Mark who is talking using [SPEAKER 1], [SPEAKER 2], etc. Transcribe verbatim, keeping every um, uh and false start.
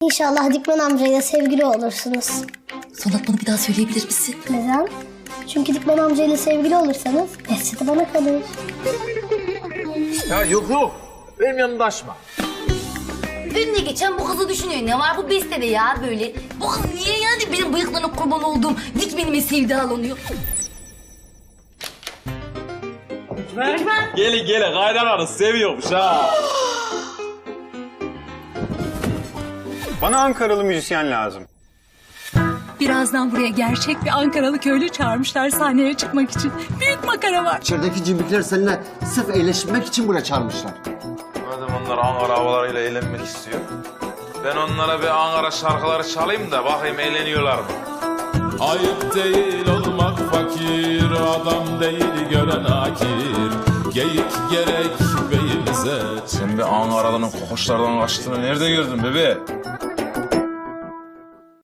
[SPEAKER 1] İnşallah Dikmen amcayla sevgili olursunuz.
[SPEAKER 2] Son atmanı bir daha söyleyebilir misin?
[SPEAKER 1] Neden? Çünkü Dikmen amcayla sevgili olursanız Behçet'i bana kalır.
[SPEAKER 3] Ya yok yok. Benim yanımda açma.
[SPEAKER 2] Önüne geçen bu kızı düşünüyor. Ne var bu bestede ya böyle? Bu kız niye yani benim bıyıklarına kurban olduğum Dikmenime sevdalanıyor?
[SPEAKER 4] Gelin gelin kaynananız seviyormuş ha.
[SPEAKER 5] Bana Ankaralı müzisyen lazım.
[SPEAKER 6] Birazdan buraya gerçek bir Ankaralı köylü çağırmışlar sahneye çıkmak için. Büyük makara var.
[SPEAKER 7] İçerideki cimrikler seninle sırf eğleşmek için buraya çağırmışlar.
[SPEAKER 3] Madem onlar Ankara havalarıyla eğlenmek istiyor. Ben onlara bir Ankara şarkıları çalayım da bakayım eğleniyorlar mı?
[SPEAKER 8] Ayıp değil olmak fakir, adam değil gören akir. Geyik gerek beyimize.
[SPEAKER 3] Sen bir Ankaralı'nın kokoşlardan kaçtığını nerede gördün bebe?